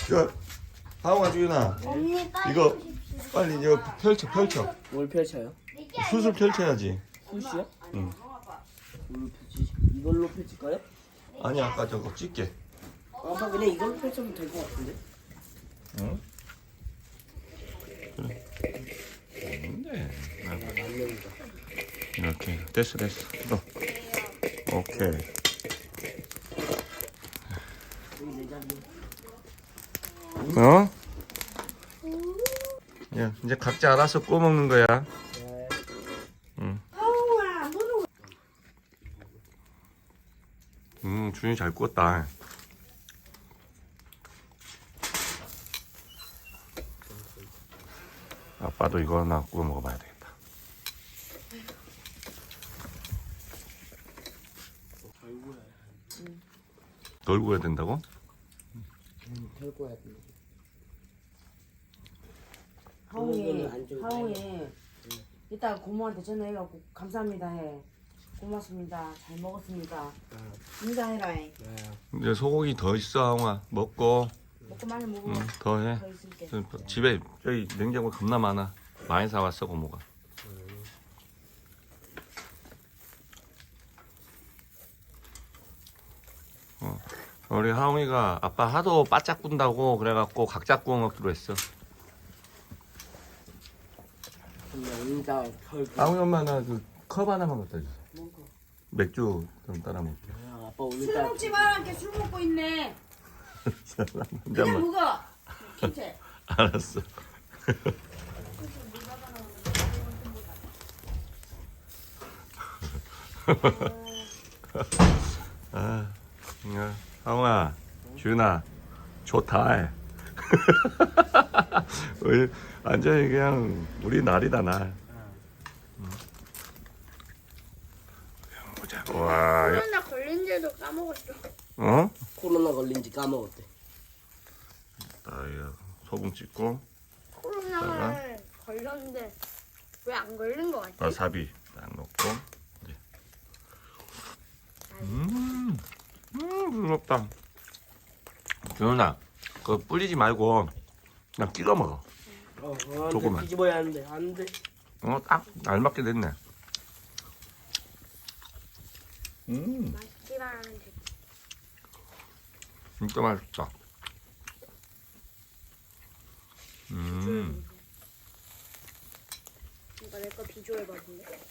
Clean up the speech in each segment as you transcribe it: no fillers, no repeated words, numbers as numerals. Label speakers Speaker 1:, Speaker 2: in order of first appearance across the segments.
Speaker 1: 야, 하웅아 주윤아
Speaker 2: 언니 빨리
Speaker 1: 이거
Speaker 2: 오십시오.
Speaker 1: 빨리 이거 펼쳐.
Speaker 3: 뭘 펼쳐요?
Speaker 1: 수술 펼쳐야지.
Speaker 3: 붓이요?
Speaker 1: 응.
Speaker 3: 뭘 펼치지? 이걸로 펼칠까요?
Speaker 1: 아니 아까 저거 찍게.
Speaker 3: 아빠 그냥 이걸로 펼쳐도 될 것 같은데?
Speaker 1: 응? 그래. 없는데.
Speaker 3: 맞는다.
Speaker 1: 이렇게 됐어. 너. 오케이.
Speaker 3: 여기 내 자리.
Speaker 1: 어? 야 이제 각자 알아서 구워 먹는 거야.
Speaker 3: 네.
Speaker 1: 응. 준이 잘 구웠다. 아빠도 이거 하나 구워 먹어봐야 되겠다. 덜 구워야 된다고?
Speaker 3: 펼 거야.
Speaker 4: 하웅이 이따 고모한테 전화해갖고 감사합니다 해. 고맙습니다. 잘 먹었습니다. 인사해라. 해.
Speaker 1: 이제 소고기 더 있어, 하웅아. 먹고
Speaker 4: 먹고 많이 먹어.
Speaker 1: 더 해.
Speaker 4: 더 있을게.
Speaker 1: 집에 저기 냉장고 겁나 많아. 많이 사왔어, 고모가. 우리 하웅이가 아빠 하도 바짝 꾼다고 그래갖고 각자 구워 먹기로 했어.
Speaker 3: 근데 인자 펼.
Speaker 1: 하웅이 엄마 나 그 컵 하나만 갖다 줘.
Speaker 4: 먹어.
Speaker 1: 맥주 좀 따라 먹게.
Speaker 3: 아빠
Speaker 4: 술
Speaker 3: 오늘따라
Speaker 4: 먹지 마라. 이렇게 술 먹고 있네. 그냥
Speaker 1: 혼자만.
Speaker 4: 먹어. 김치.
Speaker 1: 알았어. 아, 하웅아, 준아, 좋다. 우리 완전히 그냥 우리 날이다 날. 보자. 와,
Speaker 2: 코로나 걸린지도 까먹었어.
Speaker 1: 어?
Speaker 3: 코로나 걸린지 까먹었대.
Speaker 1: 나 소금 찍고
Speaker 2: 코로나에 걸렸는데 왜 안 걸린 거 같지?
Speaker 1: 와사비 딱 넣고 이제. 부럽다. 준아, 그거 뿌리지 말고 그냥 찍어 먹어. 조금만.
Speaker 3: 뒤집어야 하는데 안 돼.
Speaker 1: 딱 알맞게 됐네.
Speaker 2: 맛있지만 않은데.
Speaker 1: 진짜 맛있다.
Speaker 2: 이거 내 거 비주얼 봐볼래?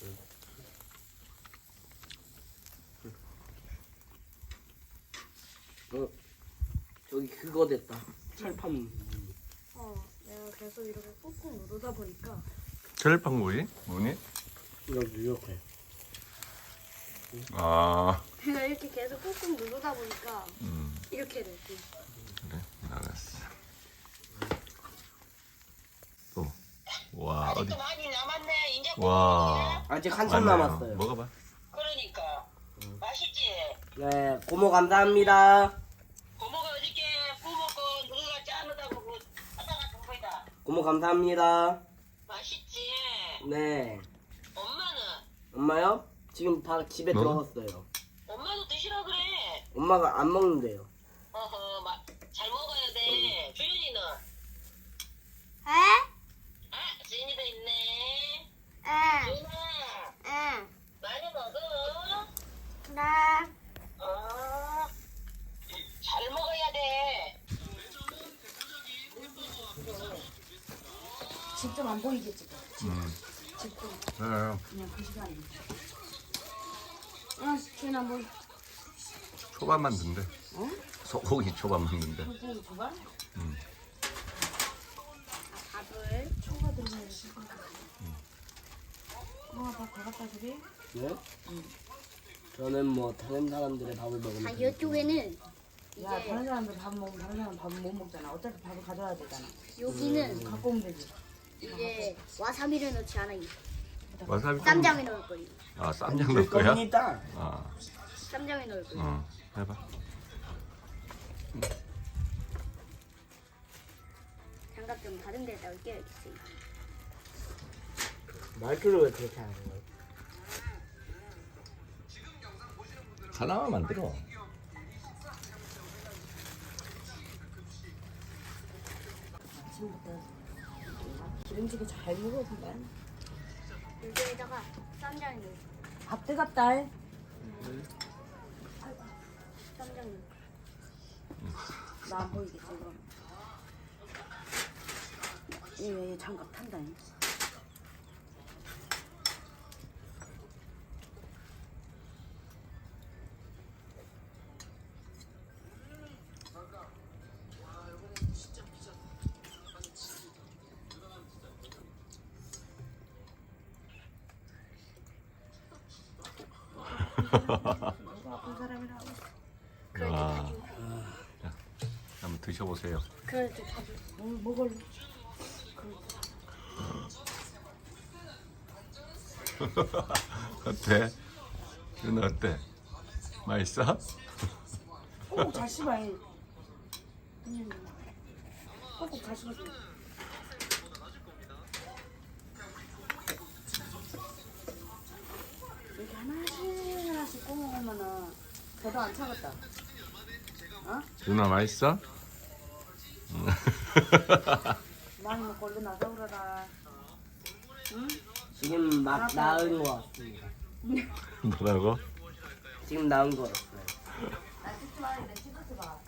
Speaker 3: 저기 그거 됐다. 철판.
Speaker 2: 내가 계속 이렇게 꾹꾹 누르다 보니까
Speaker 1: 철판 구이? 뭐니?
Speaker 3: 이렇게.
Speaker 1: 아,
Speaker 2: 내가 이렇게 계속 꾹꾹 누르다 보니까 이렇게 됐지.
Speaker 1: 그래, 알았어. 또, 와, 어디?
Speaker 5: 아직도 많이 남았네. 이제
Speaker 1: 와,
Speaker 3: 아직 한참
Speaker 1: 맞네요.
Speaker 3: 남았어요.
Speaker 1: 먹어봐.
Speaker 5: 그러니까 맛있지.
Speaker 3: 네, 고모 감사합니다.
Speaker 5: 고모가 어저께 부먹고 누가 짜느다고 그 하다 같은 거다.
Speaker 3: 고모 감사합니다.
Speaker 5: 맛있지.
Speaker 3: 네.
Speaker 5: 엄마는
Speaker 3: 엄마요? 지금 집에
Speaker 1: 너?
Speaker 3: 들어갔어요.
Speaker 5: 엄마도 드시라 그래.
Speaker 3: 엄마가 안 먹는데요.
Speaker 5: 어허, 잘 먹어야 돼. 주윤이는
Speaker 2: 에?
Speaker 5: 주윤이도 있네.
Speaker 2: 에?
Speaker 5: 주윤아
Speaker 2: 에?
Speaker 5: 많이 먹어.
Speaker 2: 나
Speaker 5: 잘 먹어야 돼.
Speaker 4: 직접 안 보이겠지. 직접
Speaker 1: 네.
Speaker 4: 그냥 그 시간에. 준아 뭐
Speaker 1: 초밥 만든대.
Speaker 4: 어?
Speaker 1: 소고기 초밥 만든대.
Speaker 4: 소고기 줘봐.
Speaker 2: 밥을
Speaker 4: 초가 들어가야 돼. 밥다 갖다 주게.
Speaker 3: 네? 저는 뭐 다른 사람들의 밥을 먹으면
Speaker 2: 이쪽에는
Speaker 4: 야
Speaker 2: 이제
Speaker 4: 다른 사람들 밥 먹으면 다른 사람 밥은 못 먹잖아. 어차피 밥을 가져와야 되잖아.
Speaker 2: 여기는
Speaker 4: 갖고 오면 되지.
Speaker 2: 이제 와사비를 넣지 않아.
Speaker 1: 와사비.
Speaker 2: 쌈장에 넣을 거예요.
Speaker 1: 아, 쌈장 넣을 거야?
Speaker 3: 겁니다.
Speaker 1: 아,
Speaker 2: 쌈장에 넣을 거예요.
Speaker 1: 해봐.
Speaker 2: 장갑 좀 다른 데다가 껴야겠어요.
Speaker 3: 말투를 왜 그렇게 하는 거예요?
Speaker 1: 하나만 만들어.
Speaker 4: 아침부터 기름지게 잘 먹어본다.
Speaker 2: 여기에다가 쌈장 넣어.
Speaker 4: 밥 뜨겁다.
Speaker 2: 쌈장 넣어.
Speaker 4: 나 안 보이겠지 그럼. 얘 장갑 탄다. 누가 아픈 사람이라고.
Speaker 1: 와. 자, 한번 드셔보세요.
Speaker 2: 그래도 자주.
Speaker 4: 먹을래?
Speaker 1: 어때? 윤아 어때? 맛있어?
Speaker 4: 꼭꼭 잘 씹어. 꼭꼭 잘 씹어. 이렇게 하나씩 구워 먹으면은 배도 안 차겠다. 어?
Speaker 1: 윤아 맛있어?
Speaker 4: 많이 먹고 얼른 나가 그러라. 응?
Speaker 3: 지금 막 나은 거 같습니다.
Speaker 1: 뭐라고?
Speaker 3: 지금 나은 거 같아요.
Speaker 4: 나 찍지 마. 내 찍어서 봐.